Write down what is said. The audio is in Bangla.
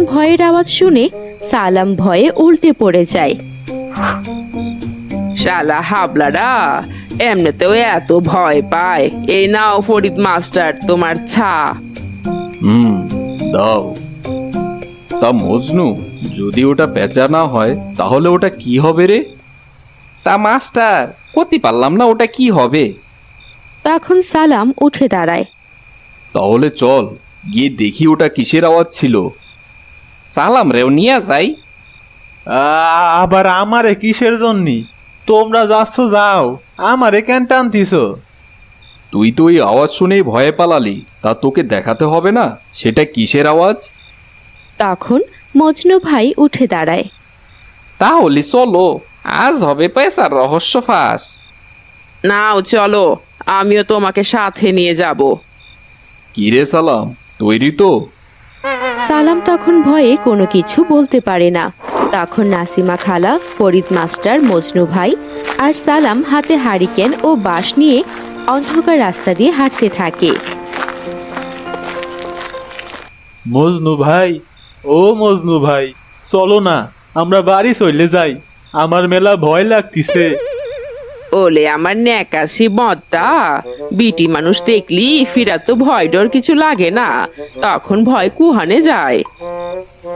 ভয়ের আওয়াজ শুনে সালাম ভয়ে উল্টে পড়ে যায়। শালা হাবলারা, এমনিতেও এত ভয় পায়। এই নাও ফরিদ মাস্টার তোমার ছা। দাও। তা মজনু, যদি ওটা পেঁচা না হয় তাহলে ওটা কি হবে রে? তা মাস্টার, করতে পারলাম না, ওটা কি হবে? তখন সালাম উঠে দাঁড়ায়। তাহলে চল গিয়ে দেখি ওটা কিসের আওয়াজ ছিল। সালাম রেও নিয়ে যাই। আবার আমারে কিসের জন্যি? তোমরা যাচ্ছ যাও, আমারে কেন টানতিস? তুই তো ওই আওয়াজ শুনেই ভয়ে পালালি, তা তোকে দেখাতে হবে না সেটা কিসের আওয়াজ? তখন মজনু ভাই উঠে দাঁড়ায়। তাহলে চলো, আজ হবে পয়সার রহস্য ফাঁস। নাও চলো, আমিও তোমাকে সাথে নিয়ে যাব। কিরে সালাম, তৈরি তো? সালাম তখন ভয়ে কোনো কিছু বলতে পারে না। তখন নাসিমা খালা, ফরিদ মাস্টার, মজনু ভাই আর সালাম হাতে হারিকেন ও বাঁশ নিয়ে অন্ধকার রাস্তা দিয়ে হাঁটতে থাকে। মজনু ভাই, ও মজনু ভাই, চলো না, আমরা বাড়ি চলে যাই। আমার মেলা ভয় লাগতিছে। ওলে আমার ন্যাকাশি মতটা, বিটি মানুষ দেখলি ফিরা তো ভয় ডর কিছু লাগে না, তখন ভয় কুহানে যায়।